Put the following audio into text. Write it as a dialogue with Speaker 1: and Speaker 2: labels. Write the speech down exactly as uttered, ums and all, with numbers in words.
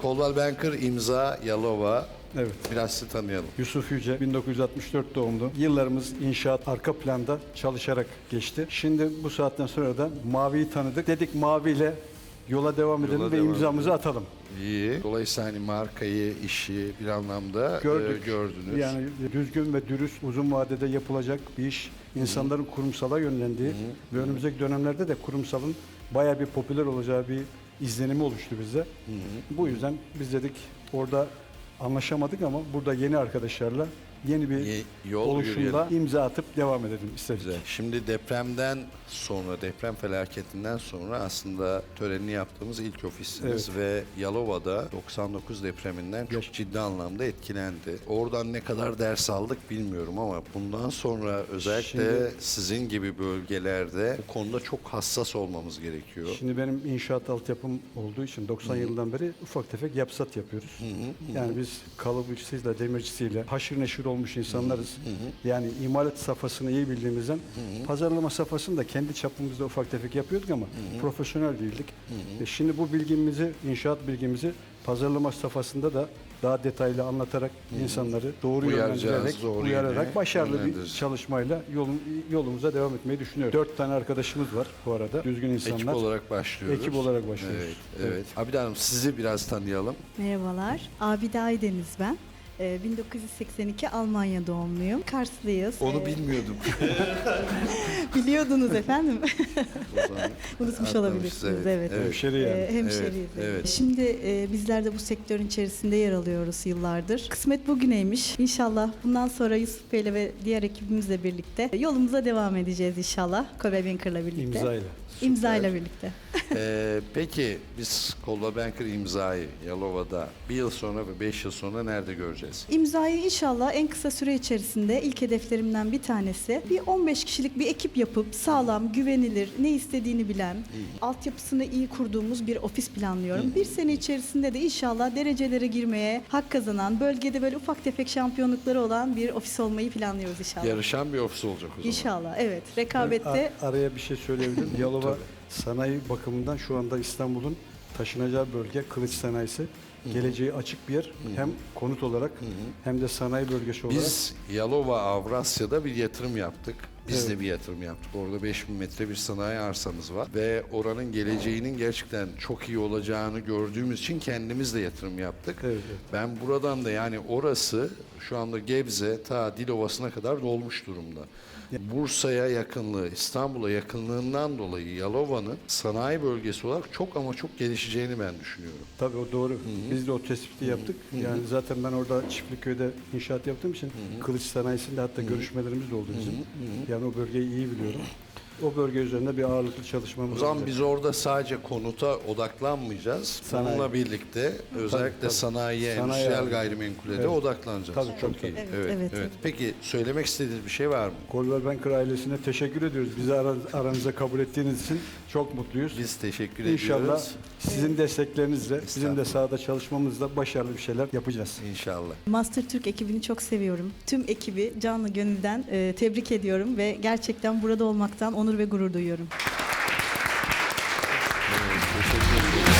Speaker 1: Coldwell Banker, imza, Yalova.
Speaker 2: Evet.
Speaker 1: Biraz sizi tanıyalım.
Speaker 2: Yusuf Yüce, bin dokuz yüz altmış dört doğumlu. Yıllarımız inşaat arka planda çalışarak geçti. Şimdi bu saatten sonra da Mavi'yi tanıdık. Dedik Mavi ile yola devam edelim
Speaker 1: Yola
Speaker 2: ve
Speaker 1: devam
Speaker 2: imzamızı atalım.
Speaker 1: İyi. Dolayısıyla hani markayı, işi bir anlamda
Speaker 2: Gördük.
Speaker 1: e, gördünüz.
Speaker 2: Yani düzgün ve dürüst, uzun vadede yapılacak bir iş. İnsanların kurumsala yönlendiği ve önümüzdeki dönemlerde de kurumsalın bayağı bir popüler olacağı bir izlenimi oluştu bize. Bu yüzden biz dedik orada anlaşamadık ama burada yeni arkadaşlarla yeni bir
Speaker 1: Ye- yol
Speaker 2: oluşumda
Speaker 1: yürüyelim.
Speaker 2: imza atıp devam edelim istedik.
Speaker 1: Güzel. Şimdi depremden sonra, deprem felaketinden sonra aslında törenini yaptığımız ilk ofisiniz ve Yalova'da doksan dokuz depreminden çok
Speaker 2: Yaş-
Speaker 1: ciddi anlamda etkilendi. Oradan ne kadar ders aldık bilmiyorum ama bundan sonra özellikle
Speaker 2: Şimdi-
Speaker 1: sizin gibi bölgelerde bu konuda çok hassas olmamız gerekiyor.
Speaker 2: Şimdi benim inşaat altyapım olduğu için doksan yılından beri ufak tefek yapsat yapıyoruz. Yani biz kalıpçısıyla, demircisiyle haşır neşir olmuş insanlarız. Yani imalat safhasını iyi bildiğimizden pazarlama safhasını da kendi çapımızda ufak tefek yapıyorduk ama profesyonel değildik. E şimdi bu bilgimizi, inşaat bilgimizi pazarlama safhasında da daha detaylı anlatarak insanları doğru
Speaker 1: Uyaracağız,
Speaker 2: yönlendirerek,
Speaker 1: doğru
Speaker 2: uyararak
Speaker 1: yöne
Speaker 2: başarılı bir
Speaker 1: yönlendireceğiz.
Speaker 2: çalışmayla yolun, yolumuza devam etmeyi düşünüyoruz. Dört tane arkadaşımız var bu arada. Düzgün insanlar.
Speaker 1: Ekip olarak başlıyoruz.
Speaker 2: Ekip olarak başlıyoruz.
Speaker 1: Evet, evet. Abide Hanım sizi biraz tanıyalım.
Speaker 3: Merhabalar, Abide Aydeniz ben. Ee, bin dokuz yüz seksen iki Almanya doğumluyum. Karslıyız.
Speaker 1: Onu
Speaker 3: Ee,
Speaker 1: bilmiyordum.
Speaker 3: Biliyordunuz efendim.
Speaker 1: O zaman
Speaker 3: Unutmuş
Speaker 1: atlamışız,
Speaker 3: olabilirsiniz. Evet.
Speaker 1: evet.
Speaker 2: Hemşeri yani.
Speaker 3: Ee, hemşeriyiz.
Speaker 1: Evet,
Speaker 3: evet.
Speaker 1: evet.
Speaker 3: Şimdi e, bizler de bu sektörün içerisinde yer alıyoruz yıllardır. Kısmet bugüneymiş. İnşallah bundan sonra Yusuf Bey'le ve diğer ekibimizle birlikte yolumuza devam edeceğiz inşallah. Coldwell Banker'la birlikte.
Speaker 2: İmzayla.
Speaker 3: İmzayla birlikte.
Speaker 1: Ee, peki biz Coldwell Banker imzayı Yalova'da bir yıl sonra ve beş yıl sonra nerede göreceğiz?
Speaker 3: İmzayı inşallah en kısa süre içerisinde ilk hedeflerimden bir tanesi bir on beş kişilik bir ekip yapıp sağlam, güvenilir, ne istediğini bilen, altyapısını iyi kurduğumuz bir ofis planlıyorum. Bir sene içerisinde de inşallah derecelere girmeye hak kazanan, bölgede böyle ufak tefek şampiyonlukları olan bir ofis olmayı planlıyoruz inşallah.
Speaker 1: Yarışan bir ofis olacak o zaman.
Speaker 3: İnşallah, evet. Rekabette
Speaker 2: A- araya bir şey söyleyebilirim. Yalova sanayi bakımından şu anda İstanbul'un taşınacağı bölge kılıç sanayisi. Geleceği açık bir yer. Hem konut olarak hem de sanayi bölgesi olarak.
Speaker 1: Biz Yalova Avrasya'da bir yatırım yaptık. Biz
Speaker 2: Evet.
Speaker 1: de bir yatırım yaptık. Orada beş bin metre bir sanayi arsamız var. Ve oranın geleceğinin gerçekten çok iyi olacağını gördüğümüz için kendimiz de yatırım yaptık.
Speaker 2: Evet, evet.
Speaker 1: Ben buradan da yani orası şu anda Gebze ta Dilovası'na kadar dolmuş durumda. Bursa'ya yakınlığı, İstanbul'a yakınlığından dolayı Yalova'nın sanayi bölgesi olarak çok ama çok gelişeceğini ben düşünüyorum.
Speaker 2: Tabii o doğru. Biz de o tespiti yaptık. Yani zaten ben orada Çiftliköy'de inşaat yaptığım için kılıç sanayisinde hatta görüşmelerimiz de oldu bizim. Yani o bölgeyi iyi biliyorum. O bölge üzerinde bir ağırlıklı çalışmamız
Speaker 1: O zaman
Speaker 2: olacak.
Speaker 1: biz orada sadece konuta odaklanmayacağız.
Speaker 2: Sanayi.
Speaker 1: Bununla birlikte özellikle
Speaker 2: tabii.
Speaker 1: sanayiye,
Speaker 2: Sanayi
Speaker 1: endüstriyel
Speaker 2: abi.
Speaker 1: gayrimenkule de
Speaker 2: Evet.
Speaker 1: odaklanacağız.
Speaker 2: Tabii,
Speaker 1: çok
Speaker 2: tabii,
Speaker 1: iyi.
Speaker 3: tabii.
Speaker 1: Evet,
Speaker 3: Evet,
Speaker 1: evet,
Speaker 3: evet.
Speaker 1: Peki söylemek istediğiniz bir şey var mı?
Speaker 2: Coldwell Banker ailesine teşekkür ediyoruz. Bizi ara- aranıza kabul ettiğiniz için çok mutluyuz.
Speaker 1: Biz teşekkür
Speaker 2: İnşallah
Speaker 1: ediyoruz.
Speaker 2: sizin desteklerinizle, bizim de
Speaker 1: Estağfurullah.
Speaker 2: sahada çalışmamızla başarılı bir şeyler yapacağız.
Speaker 1: İnşallah.
Speaker 3: Master Türk ekibini çok seviyorum. Tüm ekibi canlı gönülden e, tebrik ediyorum ve gerçekten burada olmaktan onur ve gurur duyuyorum.
Speaker 1: Evet, teşekkür ederim.